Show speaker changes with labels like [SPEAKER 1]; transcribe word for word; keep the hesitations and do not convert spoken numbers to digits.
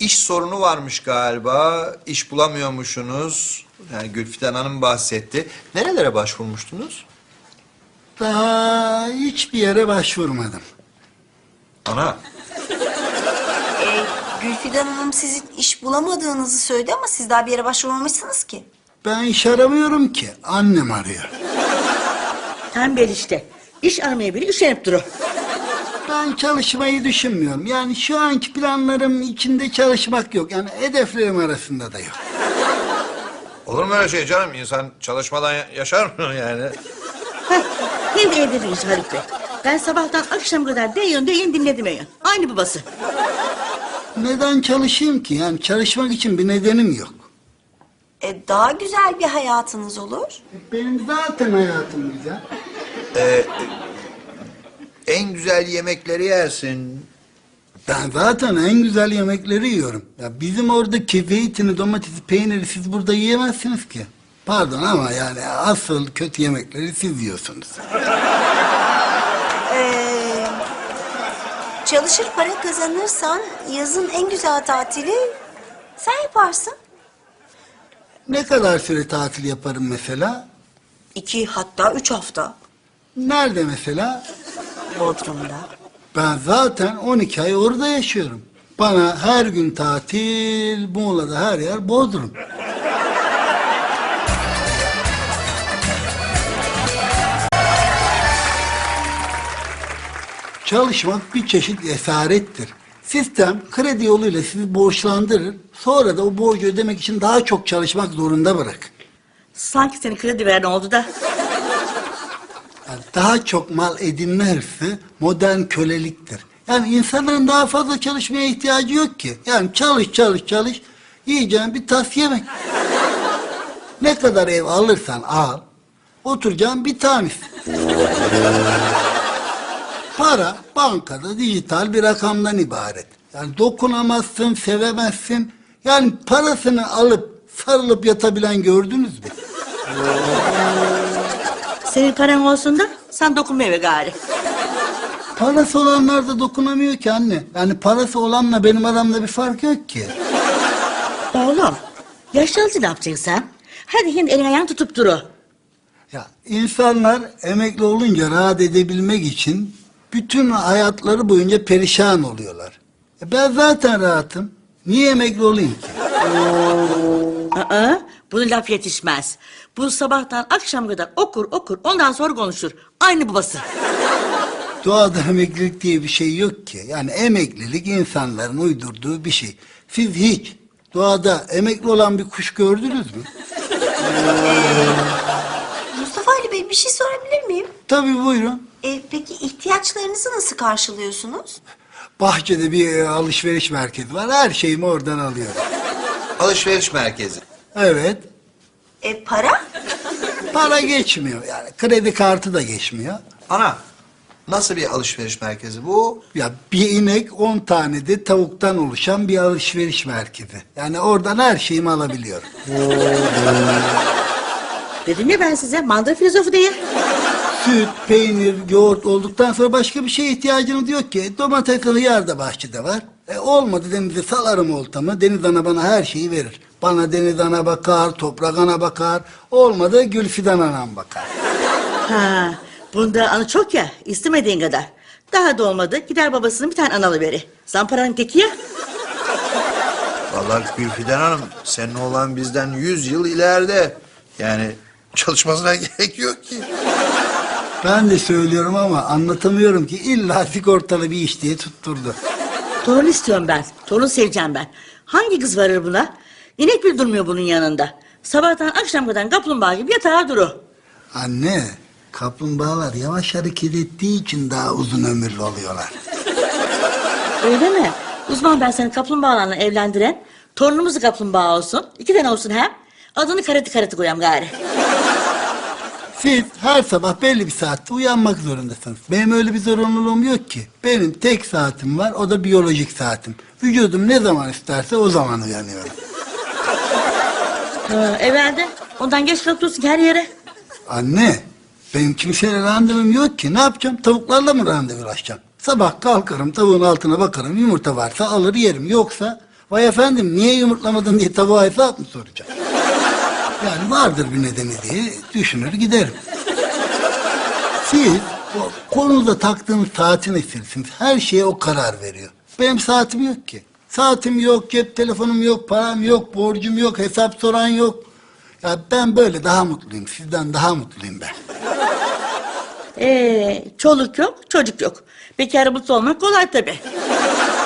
[SPEAKER 1] iş sorunu varmış galiba. İş bulamıyormuşsunuz. Yani Gülfiden Hanım bahsetti. Nerelere başvurmuştunuz?
[SPEAKER 2] Daha hiçbir yere başvurmadım.
[SPEAKER 1] Ana.
[SPEAKER 3] Ee, Gülfidan Hanım sizin iş bulamadığınızı söyledi ama siz daha bir yere başvurmamışsınız ki.
[SPEAKER 2] Ben iş aramıyorum ki. Annem arıyor.
[SPEAKER 4] Tembel işte. İş aramaya biri üşenip durur.
[SPEAKER 2] Ben çalışmayı düşünmüyorum. Yani şu anki planlarım içinde çalışmak yok. Yani hedeflerim arasında da yok.
[SPEAKER 1] Olur mu öyle şey canım? İnsan çalışmadan ya- yaşar mı yani?
[SPEAKER 4] Heh, hem evde değiliz Haluk Bey. Ben sabahtan akşam kadar deyin deyin dinledim eyin. Aynı babası.
[SPEAKER 2] Neden çalışayım ki? Yani çalışmak için bir nedenim yok.
[SPEAKER 3] Ee, daha güzel bir hayatınız olur.
[SPEAKER 2] Benim zaten hayatım güzel.
[SPEAKER 1] En güzel yemekleri yersin.
[SPEAKER 2] Ben zaten en güzel yemekleri yiyorum. Ya bizim oradaki zeytini, domatesi, peyniri siz burada yiyemezsiniz ki. Pardon ama yani asıl kötü yemekleri siz yiyorsunuz.
[SPEAKER 3] Ee, çalışır para kazanırsan yazın en güzel tatili sen yaparsın.
[SPEAKER 2] Ne kadar süre tatil yaparım mesela?
[SPEAKER 3] İki hatta üç hafta
[SPEAKER 2] Nerede mesela?
[SPEAKER 3] Bodrum'da.
[SPEAKER 2] Ben zaten on iki ay orada yaşıyorum. Bana her gün tatil, Muğla'da her yer Bodrum. Çalışmak bir çeşit esarettir. Sistem kredi yoluyla sizi borçlandırır. Sonra da o borcu ödemek için daha çok çalışmak zorunda bırakır.
[SPEAKER 4] Sanki senin kredi veren oldu da.
[SPEAKER 2] Yani daha çok mal edinme hırsı modern köleliktir. Yani insanların daha fazla çalışmaya ihtiyacı yok ki. Yani çalış çalış çalış yiyeceğin bir tas yemek. Ne kadar ev alırsan al, oturacağın bir tanesi. Para bankada dijital bir rakamdan ibaret. Yani dokunamazsın, sevemezsin. Yani parasını alıp sarılıp yatabilen gördünüz mü?
[SPEAKER 4] Senin paran olsun da sen dokunma eve gari.
[SPEAKER 2] Parası olanlar da dokunamıyor ki anne. Yani parası olanla benim aramda bir fark yok ki.
[SPEAKER 4] Oğlum, yaşlanınca ne yapacaksın sen? Hadi şimdi elin ayağını tutup duru.
[SPEAKER 2] Ya insanlar emekli olunca rahat edebilmek için bütün hayatları boyunca perişan oluyorlar. E ben zaten rahatım. Niye emekli olayım ki?
[SPEAKER 4] Aa, bunu laf yetişmez. Bu sabahtan akşam kadar okur okur ondan sonra konuşur. Aynı babası.
[SPEAKER 2] Doğada emeklilik diye bir şey yok ki. Yani emeklilik insanların uydurduğu bir şey. Siz hiç doğada emekli olan bir kuş gördünüz mü?
[SPEAKER 3] Mustafa Ali Bey bir şey sorabilir miyim?
[SPEAKER 2] Tabii buyurun.
[SPEAKER 3] Ee, peki ihtiyaçlarınızı nasıl karşılıyorsunuz?
[SPEAKER 2] Bahçede bir e, alışveriş merkezi var. Her şeyimi oradan alıyorum.
[SPEAKER 1] Alışveriş merkezi.
[SPEAKER 2] Evet.
[SPEAKER 3] E, para?
[SPEAKER 2] Para geçmiyor yani. Kredi kartı da geçmiyor.
[SPEAKER 1] Ana, nasıl bir alışveriş merkezi bu?
[SPEAKER 2] Ya bir inek on tane de tavuktan oluşan bir alışveriş merkezi. Yani oradan her şeyimi alabiliyorum.
[SPEAKER 4] Dedim ya ben size mandıra filozofu diye.
[SPEAKER 2] Süt, peynir, yoğurt olduktan sonra başka bir şeye ihtiyacınız yok ki. Domates, hıyar da bahçede var. E olmadı denize salarım oltamı. Deniz ana bana her şeyi verir. Bana deniz ana bakar, toprak ana bakar. Olmadı Gülfidan anam bakar.
[SPEAKER 4] Ha, bunda anı çok ya istemediğin kadar. Daha da olmadı gider babasının bir tane analı veri. Zamparanın teki ya.
[SPEAKER 1] Vallahi Gülfiden Hanım, senin oğlan bizden yüz yıl ileride. Yani çalışmasına gerek yok ki.
[SPEAKER 2] Ben de söylüyorum ama anlatamıyorum ki illa sigortalı bir iş diye tutturdu.
[SPEAKER 4] Torun istiyorum ben. Torun seveceğim ben. Hangi kız varır buna? İnek bile durmuyor bunun yanında. Sabahtan akşam kadar kaplumbağa gibi yatağa duru.
[SPEAKER 2] Anne, kaplumbağalar yavaş hareket ettiği için daha uzun ömürlü oluyorlar.
[SPEAKER 4] Öyle mi? Uzman ben seni kaplumbağalarla evlendiren. Torunumuz da kaplumbağa olsun. İki tane olsun hem. Adını karate karate koyam gari.
[SPEAKER 2] Siz her sabah belli bir saatte uyanmak zorundasınız. Benim öyle bir zorunluluğum yok ki. Benim tek saatim var, o da biyolojik saatim. Vücudum ne zaman isterse o zaman uyanıyorum.
[SPEAKER 4] Ha, evvelde ondan geç kalıp dursun her yere.
[SPEAKER 2] Anne, benim kimseyle randevum yok ki. Ne yapacağım? Tavuklarla mı randevulaşacağım? Sabah kalkarım, tavuğun altına bakarım, yumurta varsa alır yerim. Yoksa Vay efendim niye yumurtlamadın diye tavuğa hesap mı soracağım? Yani vardır bir nedeni diye düşünür giderim. Siz o konuda taktığınız saatin esirsiniz. Her şeye o karar veriyor. Benim saatim yok ki. Saatim yok, cep telefonum yok, param yok, borcum yok, hesap soran yok. Ya ben böyle daha mutluyum. Sizden daha mutluyum ben.
[SPEAKER 4] Ee, çoluk yok, çocuk yok. Bekar mutlu olmak kolay tabii.